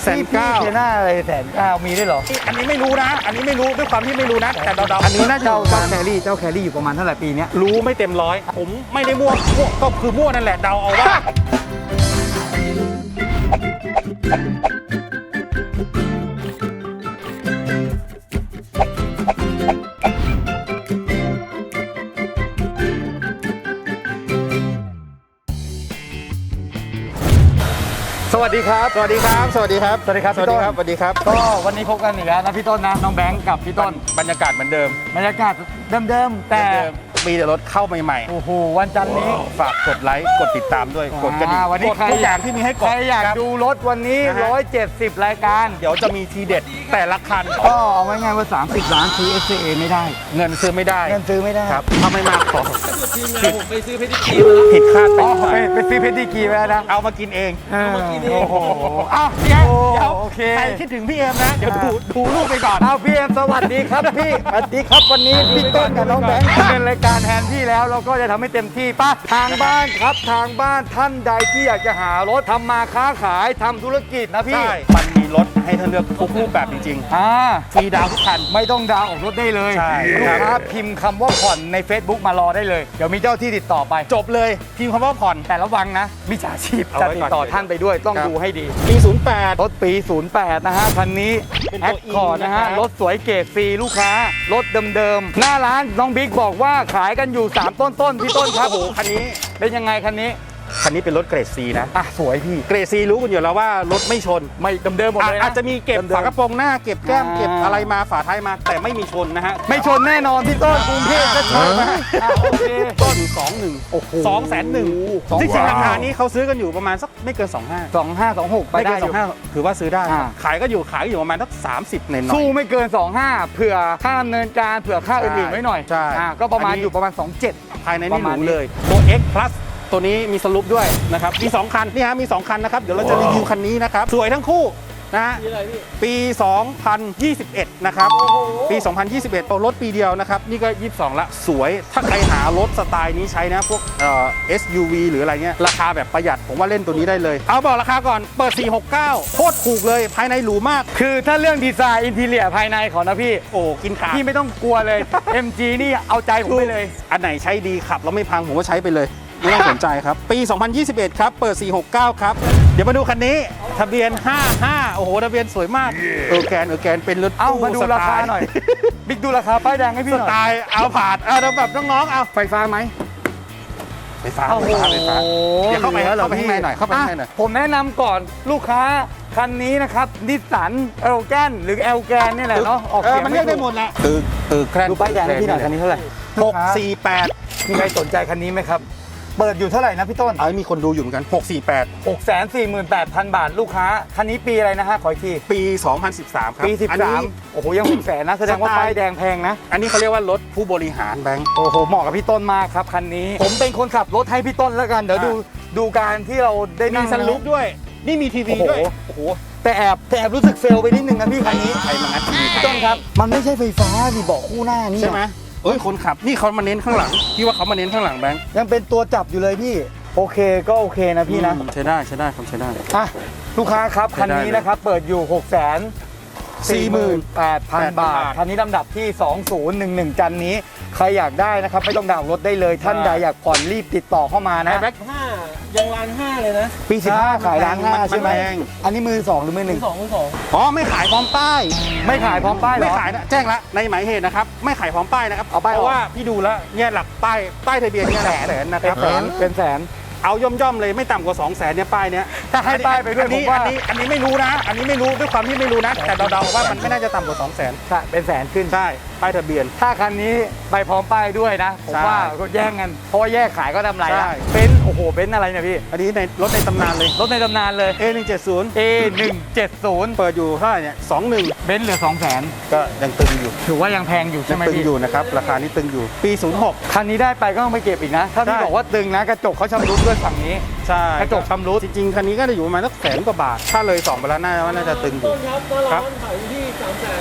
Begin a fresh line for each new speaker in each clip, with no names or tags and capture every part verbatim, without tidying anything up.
แสนเก้า
เทน่าอะไรแสนเก้ามีด้วยเหรอ
อันนี้ไม่รู้นะ อันนี้ไม่รู้ด้วยความที่ไม่รู้นะแต่เดาๆอันนี้น่าจะ
เจ้าเจ้าแครี่เจ้าแครี่อยู่ประมาณเท่าไหร่ปีนี้
รู้ไม่เต็มร้อยผมไม่ได้มั่วมั่วก็คือมั่วนั่นแหละเดาเอาว่า
สวัสดีครับ
สวัสดีครับสวัสดีครับ
สวัสดีครับ
สวัสดีครับสวัสดีครับ
ก็วันนี้พบกันอีกแล้วนะพี่ต้นนะน้องแบงค์กับพี่ต้น
บรรยากาศเหมือนเดิม
บรรยากาศเดิมๆแต่
มีแต่รถเข้าใหม่
โอ้โหวันจันทร์นี้
ๆฝากกดไลค์กดติดตามด้วยกดกระดิ่ง
อ่าวันนี้
กด
ใคร
ทุกอย่างที่มีให้ก
ใค
ด
รอยาก
ครับ
ดูรถวันนี้
นะฮะ
หนึ่งร้อยเจ็ดสิบรายการ
เดี๋ยวจะมีทีเด็ดแต่ละคัน
ก็เอาง่ายๆว่าสามสิบล้านซื้อ เอส ซี เอ ไม่ได้
เงินซื้อไม่ได้
เงินซื้อไม่ได้
ครับถ้าไม่มากพอ
ทีมงานผมไปซื้อเพชรจีมาแล้ว
ผิดคาดไป
อ๋อ
หน่อย
ไปไปซื้อเพชรดีกรีไปแล้วนะ
เอามากินเอง
เออ
เอามากินเอง
โอ้โห
อ้าวพี่เอ็ม
โอ้
เดี๋ยว
โอเค
ใครคิดถึงพี่เอ็มนะ เดี๋ยวดูดูรูปไปก่อน
เอาพี่เอ็มสวัสดีครับพี่สวัสดีครับวันนี้พี่ต้นกับน้องแบงค์เป็นรายการแทนพี่แล้วเราก็จะทำให้เต็มที่ป่ะทางบ้านครับทางบ้านท่านใดที่อยากจะหารถทำมาค้าขายทำธุรกิจนะพี่
ใช่ มันมีรถให้ท่านเลือกทุกรูปแบบจริง
อ่า
ๆฟรีดาวน์ทุกคัน
ไม่ต้องดาวน์ออกรถได้เลย
ใช่
ลูก
ครั
ค้า
บ
พิมพ์คำว่าผ่อนใน Facebook มารอได้เลย เดี๋ยวมีเจ้าที่ติดต่อไป
จบเลยพิมพ์คำว่าผ่อน
แต่ระวังนะมิจฉาชีพ
เอา
จะ
ไว้
ติด
ก่อน
ต่อท่านไปด้วยต้อง
ครับ
ดูให้ดี
ปี ศูนย์แปด
รถปี ศูนย์แปด นะฮะ คันนี้
เป็น
แอ
ตัว
คคอร์ด
E
นะฮะ
นะครับ
รถสวยเกรดฟรีลูกค้า รถเดิมๆ หน้าร้านน้องบิ๊กบอกว่าขายกันอยู่ สาม ต้นต้นๆพี่ต้นครับ
โอ้โหคันนี้
เป็นยังไงคันนี้
คันนี้เป็นรถเกรด C นะ
อ่ะ สวยพี่
เกรด C รู้กันอยู่แล้วว่ารถไม่ชน
ไม่เดิมๆหมด
อ่ะ
เลยน
อาจจะมีเก็บ
ดิมๆ
ฝากระโปรงหน้าเก็บแก้ม
อ่า
เก็บอะไรมาฝาท้ายมาแต่ไม่มีชนนะฮะ
ไม่ชนแน่นอนพี่ต้นกรุงเทพจะชนไหมอ่ะโอเค
ต้นสองหนึ่ง
โอ้โห
สองแสนหนึ่ง
สอง
จริงๆราคา
ว้าว
นี้เขาซื้อกันอยู่ประมาณสักไม่เกิน สองห้า
สองห้าสองหกไป
ไม่
ได้
เกิน
อ
สอยู่ งห้าถือว่าซื้อได้
อ่า
ขายก็อยู่ขายก็อยู่ประมาณสักสามสิบในหน่อย
สู้ไม่เกิน สองห้า เผื่อค่าดำเนินการเผื่อค่าอื่นๆไว้หน่อย
ใช่
อ่ะก็ประมาณ
อันนี้
อยู่ประมาณ สองเจ็ด
ภายใน
ป
นี่
ระ
ห
มาณ
รู
นี้
เลยตัว X Plus ตัวนี้มีสรุปด้วยนะครับมีสองคันนี่ฮะมีสองคันนะครับเดี๋ยวเราจะรีวิวคันนี้นะครับสวยทั้งคู่นะฮะ
มีอะไรพี่
ปี สองพันยี่สิบเอ็ด นะครับ ปี สองพันยี่สิบเอ็ด รถปีเดียวนะครับ นี่ก็ ยี่สิบสอง ละ สวย ถ้าใครหารถสไตล์นี้ใช้นะ พวกเอ่อ เอส ยู วี หรืออะไรเงี้ย ราคาแบบประหยัด ผมว่าเล่นตัวนี้ได้เลย เอาบอกราคาก่อน เปิด สี่หกเก้า โคตรถูกเลย ภายในหรูมาก
คือถ้าเรื่องดีไซน์อินทีเรียภายในของนะพี่
โอ้ กินขาด
พี่ไม่ต้องกลัวเลย เอ็ม จี นี่เอาใจผมไปเลย
อันไหนใช้ดีขับแล้วไม่พัง ผมก็ใช้ไปเลย ไม่ต้องสนใจครับ ปี สองพันยี่สิบเอ็ด ครับ เปิด สี่หกเก้า ครับ เดี๋ยวมาดูคันนี้ ทะเบียน ห้าห้า โอ้โห ทะเบียนสวยมาก เออแกนเออแกนเป็นรถ
เอ้า
ตู้
มาดู
สไตล์
ราคาหน่อย บิ๊กดูราคาป้ายแดงให้พี่
ส
หน่อย
ไตล์เอาผาดเอาแบบน้องๆเอา
ไฟฟ้าไหม
ไฟฟ้า
โอ้โห
ไฟฟ้าไฟฟ้า เดี๋ยวเข้าไป
หลือหรอ
เข้าไปข้างในหน่อยเข้าไปข้างในหน่อย
ะผมแนะนำก่อนลูกค้าคันนี้นะครับนิสสันเอลแกนหรือเอลแกนนี่แหละเนาะออก
เออ
เสียง
มันเรียกได้หมดแหละตึกตึกแครน
ดูป้ายแดงให้พี่หน่อยคันนี้เท่าไหร่
หกสี่แปด
มีใครสนใจคันนี้ไหมครับ เปิดอยู่เท่าไหร่นะพี่ต้น
เอามีคนดูอยู่เหมือนกันหกสี่แปด
หกแสนสี่หมื่นแปดพัน บาทลูกค้า คันนี้ปีอะไรนะฮะ ขออีกที
ปี สองพันสิบสาม ครับ
ปี
อันนี้
สิบสาม โอ้โห ยังหกแสนนะ แสดงว่า
สไตล์
ป้ายแดงแพงนะ
อันนี้เขาเรียกว่ารถผู้บริหารแบงค์
โอ้โห เหมาะกับพี่ต้นมากครับ คันนี้ ผมเป็นคนขับรถให้พี่ต้นแล้วกัน เดี๋ยวดูดูการที่เราได้
มี
นั่ง
ซันรูฟด้วย นี่มีทีวีด้วย
โอ้โห แต่แอบแต่แอบรู้สึกเฟลไปนิดนึงนะพี่คันนี้
ใครมางัดทีวี
พี่ต้นครับ มันไม่ใช่ไฟฟ้าดิเบาะคู่หน้านี่
ใช่ไหมเอ้ยคนขับนี่เขามาเน้นข้างหลังพี่ว่าเขามาเน้นข้างหลังแบงค์
ยังเป็นตัวจับอยู่เลยพี่ โอเคก็โอเคนะพี่นะ
อืมใช้ได้ใช้ได้ครับใช้ได้
อ่ะลูกค้าครับ
ใช้
คัน
ได้
นี้
เลย
นะครับ เปิดอยู่ 6 4 8 0 0
สี่หมื่น
บาท บาท คันนี้ลำดับที่ สองศูนย์หนึ่งหนึ่ง จันนี้ ใครอยากได้นะครับ ไม่ต้องดาวน์รถได้เลย ท่านใดอยากผ่อนรีบติดต่อเข้ามานะ
แบ็ค
ห้ายังล้านห้าเลยนะ
ปี สิบห้า ขายล้านห้า
มัน
ใช่ไหม
แพง
อันนี้มือสองหรือมือห
มื
นึ่
อง สองมือสอง
อ๋อไม่ขายพร้อมป้าย
ไม่ขายพร้อมป้ายเหร
ไม่
อ
ขายนะแจ้งละในหมายเหตุนะครับไม่ขายพร้อมป้ายนะครับ
เอาป้ายออก
เพราะว่าพี่ดูแล้วเนี่ยหลักป้ายป้ายทะเบียนเนี่ยหลักแสนนะค
เป็
รั
น
บ
แสนเป็นแสน
เอาย่อมๆเลยไม่ต่ำกว่า2 0 0 0 0 0เนี่ยป้ายเนี้ย
ถ้าให้ป้ายไปด้วย
อันนี้
ผมว่า
อันนี้อันนี้ไม่รู้นะ อันนี้ไม่รู้ด้วยความที่ไม่รู้นะ แต่เดาๆว่ามันไม่น่าจะต่ำกว่า2 0 0 0 0 0
ใช่เป็นแสนขึ้น
ใช่ป้ายทะเบียน
ถ้าคันนี้ไปพร้อมป้ายด้วยนะ ผม
ใช่
ว่าก็แย่งกัน เพราะว่าแยกขายก็ทำไร
ใช่
ละเป็นซ์โอ้โหเป็นซ์อะไรเนี่ยพี่
อันนี้ในรถในตำนานเลย
รถในตำนานเลย
เอ หนึ่งเจ็ดศูนย์
เอ หนึ่งเจ็ดศูนย์
เปิดอยู่เท่าไหร่เนี่ยสองหนึ่ง
เบนซ์เหลือสองแสน
ก็ยังตึงอยู่
ถือว่ายังแพงอยู่
ยั
ใช่
ง
ไหม
ตึง
พี่
อยู่นะครับราคานี้ตึงอยู่ปีศูนย์หก
คันนี้ได้ไปก็ต้องไปเก็บอีกนะ ถ้าพี่
ใช่
บอกว่าตึงนะกระจกเขาชำรุดด้วยฝั่งนี้
ใช่
กระจกชำรุด
จริงๆคันนี้ก็จะอยู่ประมาณสักแสนกว่าบาท ถ้าเลยสองไปแล้วน่าจะว่าน่าจะตึงอยู่
ต้นครับหน้า
ครั
ร้า
บ
นขายอยู่ที่สามแสนครับ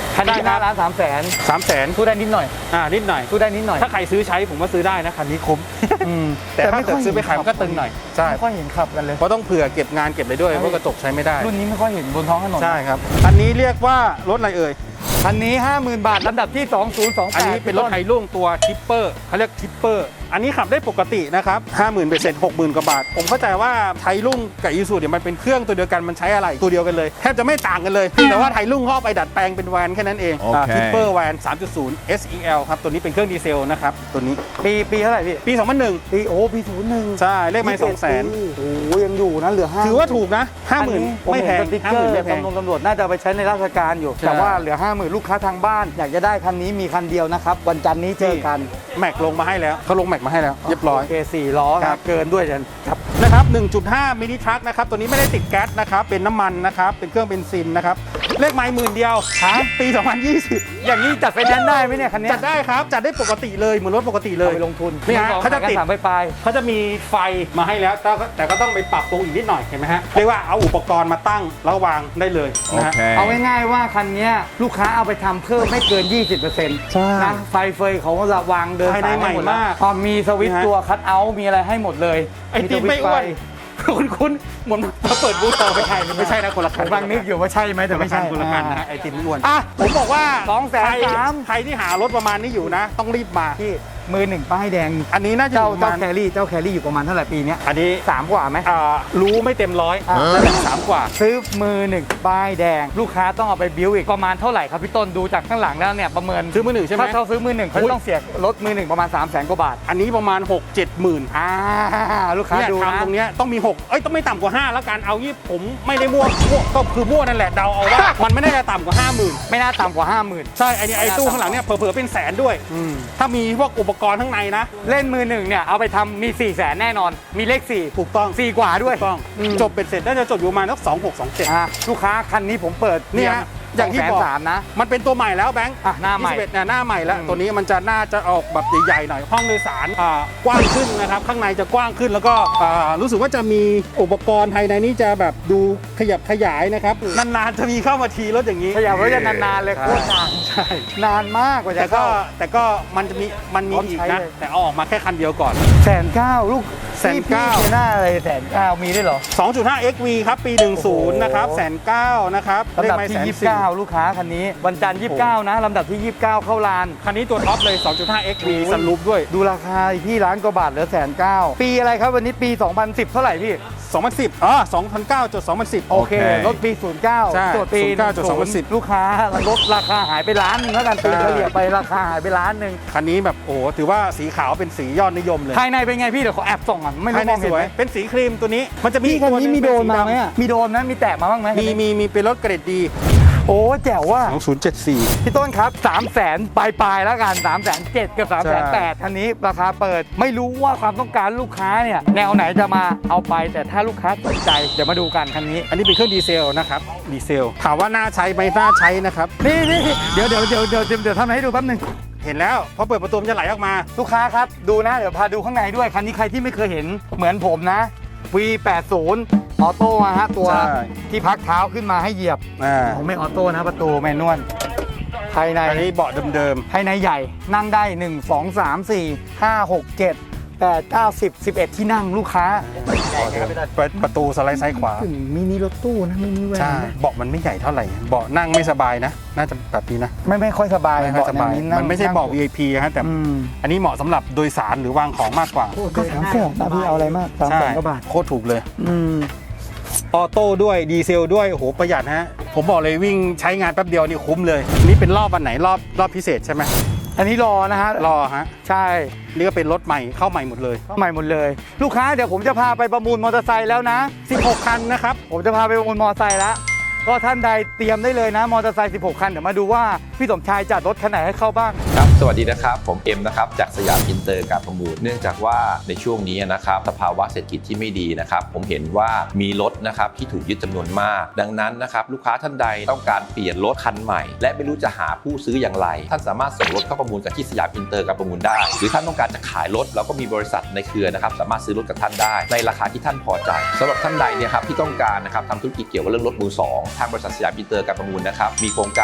คันนี้หน้าร้านสามแสน
สามแสน
สู้ได้นิดหน่อย
อ่านิดหน่อย
สู้ได้นิดหน่อย
ถ้าใครซื้อใช้ผมว่าซื้อได้นะคันนี้คุ้ม
อืม
แต่ถ้าเกิดซื้อไปขายมันก็ตึงหน่อยใช่
ไม่ค่อยเห็นขับกันเลย
เพราะต้องเผื่อเก็บงานเก็บอะไรด้วยเพราะกระจกใช้ไม่ได้
รุ่นนี้ไม่ค่อยเห็นบนท้องถนน
ใช่ครับอันนี้เรียกว่ารถอะไรเอ่ย
คันนี้ ห้าหมื่น บาทลำดับที่ สองศูนย์สองแปด
อันนี้เป็นรถไทยรุ่งตัวทิปเปอร์เขาเรียกทิปเปอร์อันนี้ขับได้ปกตินะครับห้าหมื่นเบ็ดเสร็จหกหมื่นกว่าบาทผมเข้าใจว่าไทยรุ่งกับอีซูเนี่ยมันเป็นเครื่องตัวเดียวกันมันใช้อะไรตัวเดียวกันเลยแทบจะไม่ต่างกันเลยแต่ว่าไทยรุ่งเขาเอาไปดัดแปลงเป็นแวนแค่นั้นเอง
โอเค
ทิปเปอร์แวน สามจุดศูนย์ เอส อี แอล ครับตัวนี้เป็นเครื่องดีเซลนะครับตัวนี้
ปีปีเท่าไหร่พี่
ปีสองพันหนึ่ง
ปีโอ้ปีศูนย์หนึ่ง
ใช่เลขไม้สองแสน
โอ้ยังอยู่นะเหลือห้า
ถือว่าถูกนะห้าหมื่น
ผม
ไม่
เห็น
แพง
สติ๊ก
ห้า
เก
ห
อ
มื่น
ร์
ไม่แพง
ตำรวจตำรวจน่าจะเอาไปใช้ในราชการอยู่
ใช่
แต่ว่าเหลือ ห้าหมื่น ลูกค้าทางบ้านอยากจะได้คันนี้มีคันเดียวนะครับวันจันทร์นี้เจอกัน
แม็กลงมาให้แล้วเขาลงแม็กมาให้แล้วเรียบร้อย
โอเคสี่ล้อ
ค
ค
รั
รับ บเกินด้วยกันครับ
นะครับ หนึ่งจุดห้า มินิทรัคนะครับ ตัวนี้ไม่ได้ติดแก๊สนะครับ เป็นน้ำมันนะครับ เป็นเครื่องเบนซินนะครับ เลขไม้หมื่นเดียวฮะปี สองพันยี่สิบ
อย่างนี้จัดไฟแนนซ์ได้ไหมเนี่ยคันเนี้ย
จัดได้ครับ จัดได้ปกติเลย เหมือนรถปกติเล
เอา
ย
ไปลงทุน
นี่ฮะ
มือสอง
เขาจะติด
ขยกันสามไปปลาย
เขาจะมีไฟมาให้แล้ว แต่ก็แต่ก็ต้องไปปรับปรุงอีกนิดหน่อย เห็นไหมฮะ เรียกว่าเอาอุปกรณ์มาตั้งแล้ววางได้เลย
โอ
นะฮะ
เค
เอาง่ายๆว่าคันเนี้ยลูกค้าเอาไปทำเพิ่มไม่เกิน ยี่สิบเปอร์เซ็นต์
ใช่
นะไฟเฟยเขาก็จะวางเดิน
ภายใน
สายให้หมด
ใหม่
แล้ว
มาก
พอมีสวิตช์
นี่ฮะ
ตัวคัทเอาท์มีอะไรให้หมดเลย
ไอ้ตีม
สวิ
ไม่
ตช์
อ้วน
ฟ
คุณคุณเหมือนมาเปิดบูธต่อไม่ใช่ไม่ใช่นะคนละ
ผ
คัน
มกำลังนึกอยู่ว่าใช่ไหมแต่
แต่ไม่
ไม่
ใช่
ใช่
คนละคันนะฮะ
อ่า
ไอติมไม่อ้วนอ่ะผมบอกว่า
สองแสน
ใคร
สาม
ใครที่หารถประมาณนี้อยู่นะ ต้องรีบมา
ที่มือหนึ่งป้ายแดง
อันนี้น่าจะอ
เจ้า
ยู่ประ
เจ้า
มาณ
แครี่เจ้าแครี่อยู่ประมาณเท่าไหร่ปีเนี้ย
อันนี้
สามกว่าไหม
อ่ารู้ไม่เต็มร้อย
อ่ะ
นั่นแหละสามกว่า
ซื้อมือหนึ่งป้ายแดง ลูกค้าต้องเอาไปบิวอีกประมาณเท่าไหร่ครับพี่ต้นดูจากข้างหลังแล้วเนี่ยประเมิน
ซื้อมือหนึ่งใช่ไหม
ถ้าเขาซื้อมือหนึ่งเขา
อุ๊ย
ต้องเสียรถมือหนึ่งประมาณ3ามแสนกว่าบาท
อันนี้ประมาณ หกเจ็ดหมื่น
อ่าลูกค้า
เนี่ย
ดูนะ
ทำตรงเนี้ยต้องมีหกเอ้ยต้องไม่ต่ำกว่าห้าแล้วกันเอายี่ผมไม่ได้มั่วมั่วก็คือมั่วนั่นแหละเดาเอาว่า มันไม่ได้จะต่ำกว่าห้าหมื่น
ไม่น่าต่ำกว่าห้าหมื่น
ใช่ไอ้นี่ไอ้ตู้ข้างหลังเนี่ยเผลอๆเป็นแสนด้วยถ้ามีพวกอุปกรณ์ข้างในนะ
เล่นมือหนึ่งเนี่ยเอาไปทำมี4ี่แสนแน่นอน มีเลขสี่
ถูกต้อง
สี่กว่าด้วย
ถูกต้องจบเป็นเสร็จน่าจะจบอยู่ประมาณสักสองหกสองเจ็ด
อ่ะลูกค้าคันนี้ผมเปิด
เนี่ยอย่างที่บอก
สามนะ
มันเป็นตัวใหม่แล้วแบงค์
อ่ะหน้าใหม่
ยี่สิบเอ็ดเนี่ยหน้าใหม่แล้ว
อืม
ตัวนี้มันจะน่าจะออกแบบใหญ่ๆหน่อยห้องโดยสารอ่ากว้างขึ้นนะครับข้างในจะกว้างขึ้นแล้วก็อ่ารู้สึกว่าจะมีอุปกรณ์ภายในนี้จะแบบดูขยับขยายนะครับนานๆจะมีเข้ามาทีรถอย่างนี้
ขยับรถจะนานๆเลย
ใช่
โคตรนาน
ใช่
นานมากกว่าจะ
แต่ก็
เข้า
แต่ก็มันจะมีมันมี
พร้อม
อีก
ใช้
นะ
เลย
แต่เอาออกมาแค่คันเดียวก่อน
แสนเก้าลูก
แสนเก้า
พี่พี่หน้าอะไรแสนเก้ามีด้วยเหรอ
สองจุดห้า เอ็กซ์ วี ครับ ปี
โอ้โห
สิบ นะครับแสนเก้านะครับ
ลำดับ
เลขไม้
ที่
แสน
ยี่สิบ
สี่
เก้าลูกค้าคันนี้วันจันทร์ยี่สิบเก้านะลำดับที่ยี่สิบเก้าเข้าลาน
คันนี้ตัวท็อปเลย สองจุดห้า เอ็กซ์ วี
โอ้ย
ซันรูฟด้วย
ดูราคาพี่ล้านกว่าบาทเหลือแสนเก้าปีอะไรครับวันนี้ปี สองพันสิบ เท่าไหร่พี่
สองพันสิบอ๋อสองพันเก้าจุดสองพันสิบ
โอเค
โอเค
รถปี ศูนย์เก้า
ใช่
ตัวปี
ศูนย์เก้าจุดสองพันสิบ
ลูกค้าลดราคาหายไปล้านหนึงแล้วกันปี
ใช่
เฉลี่ยไปราคาหายไปล้านหนึ่ง
คันนี้แบบโอ้โหถือว่าสีขาวเป็นสียอดนิยมเลย
ภายในเป็นไงพี่เดี๋ยวขอแอบส่องอ่ะไม่รู้
ภายใน
มอง
ส
เห็น
ว
ไห
ย
ม
เป็นสีครีมตัวนี้ มันจะมี
พี่คันนี้
ตัวหง
มีโดนมา
เป็
ไหม
สี
อ่ะมีโดนนะมีแตะมาบ้างไหม
ดำมีมีมีเป็นรถเกรดดี
โอ้แจ๋วว่ะ
สองศูนย์เจ็ดสี่
พี่ต้นครับ3 0 0แสนปลายปลายๆแล้วกัน3 0 0 0 0 7กับ3 0 0 0 0 8คันนี้ราคาเปิดไม่รู้ว่าความต้องการลูกค้าเนี่ยแนวไหนจะมาเอาไปแต่ถ้าลูกค้าสนใจเดี๋ยวมาดูกันคันนี้
อันนี้เป็นเครื่องดีเซลนะครับดีเซลถามว่าน่าใช้ไหมน่าใช้นะครับ
นี่นี่เดี๋ยวเดี๋ยวเดี๋ยวเดี๋ยวเดี๋ยวทำให้ดูแป๊บนึง
เห็นแล้วพอเปิดประตูมันจะไหลออกมา
ลูกค้าครับดูนะเดี๋ยวพาดูข้างในด้วยคันนี้ใครที่ไม่เคยเห็นเหมือนผมนะ วี แปดสิบ ออโต้มาฮะตัว
ใช่
ที่พักเท้าขึ้นมาให้เหยียบ
อ่า
ผมไม่ออโต้นะประตูแมนนวลภายใน
อันนี้เบาะเดิม
ภายในใหญ่นั่งได้หนึ่ง สอง สาม สี่ ห้า หก เจ็ด แปด เก้า สิบ สิบเอ็ดที่นั่งลูกค้า
ๆเปิดประตูสไลด์ซ้ายขวา
ถึงมินิรถตู้นะมินิแวน
ใช่เบาะมันไม่ใหญ่เท่าไหร่เบาะนั่งไม่สบายนะ น่าจะแบบนี้นะ
ไม่ไม่ค่อยสบาย
ไม่ค่อยสบาย
เะแนวนั่ง
มันไม่ใช่เบาะ วี ไอ พี ฮะแต่
อืม
อันนี้เหมาะสำหรับโดยสารหรือวางของมากกว่า
ก็สามแสนนะพี่เอาอะไรมากสามแสนกว่าบาท
โคตรถูกเลย
อืม
ออโต้ด้วยดีเซลด้วยโอ้โหประหยัดฮะผมบอกเลยวิ่งใช้งานแป๊บเดียวนี่คุ้มเลย นี่เป็นรอบวันไหนรอบรอบพิเศษใช่ไหม
อันนี้รอนะฮะ
รอฮะ
ใช่
นี่ก็เป็นรถใหม่เข้าใหม่หมดเลย
ใหม่หมดเลย ลูกค้าเดี๋ยวผมจะพาไปประมูลมอเตอร์ไซค์แล้วนะ
สิบหกคันนะครับ
ผมจะพาไปประมูลมอเตอร์ไซค์แล้วก็ท่านใดเตรียมได้เลยนะมอเตอร์ไซค์สิบหกคันเดี๋ยวมาดูว่าพี่สมชายจัดรถคันไหนให้เข้าบ้าง
ครับสวัสดีนะครับผมเอ็มนะครับจากสยามอินเตอร์การประมูลเนื่องจากว่าในช่วงนี้นะครับสภาวะเศรษฐกิจที่ไม่ดีนะครับผมเห็นว่ามีรถนะครับที่ถูกยึดจำนวนมาก ดังนั้นนะครับลูกค้าท่านใดต้องการเปลี่ยนรถคันใหม่และไม่รู้จะหาผู้ซื้ออย่างไร ท่านสามารถส่งรถเข้าประมูลกับที่สยามอินเตอร์การประมูลได้ หรือท่านต้องการจะขายรถเราก็มีบริษัทในเครือนะครับสามารถซื้อรถกับท่านได้ในราคาที่ท่านพอใจสำหรับท่านใดเนี่ยครับที่ต้องการนะครับทำธุรกิจเกี่ยวกับเรื่องรถมือสองทางบริษัทสยามอินเตอร์การประมูลนะครับมีโครงการ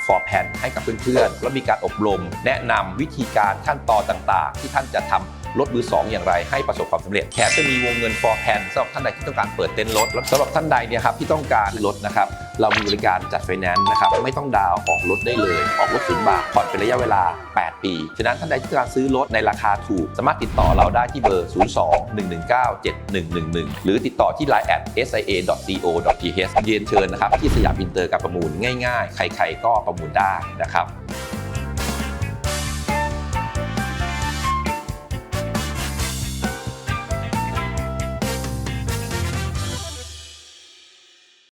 for plan ให้กับเพื่อนๆแล้วมีการอบรมแนะนำวิธีการขั้นตอนต่างๆ ที่ท่านจะทำรถมือสองอย่างไรให้ประสบความสำเร็จแถมจะมีวงเงิน for plan สำหรับท่านใดที่ต้องการเปิดเต็นท์รถและสำหรับท่านใดเนี่ยครับที่ต้องการรถนะครับเรามีบริการจัดไฟแนนซ์นะครับไม่ต้องดาวน์ออกรถได้เลยออกรถศูนย์บาทผ่อนเป็นระยะเวลาแปดปีฉะนั้นท่านใดที่ต้องการซื้อรถในราคาถูกสามารถติดต่อเราได้ที่เบอร์ ศูนย์ สอง หนึ่ง หนึ่ง เก้า เจ็ด หนึ่ง หนึ่ง หนึ่ง หรือติดต่อที่ ไลน์ แอท เอส ไอ เอ ดอท ซี โอ ดอท ที เอช เรียนเชิญนะครับที่สยามอินเตอร์การประมูลง่ายๆใครๆก็ประมูลได้นะครับ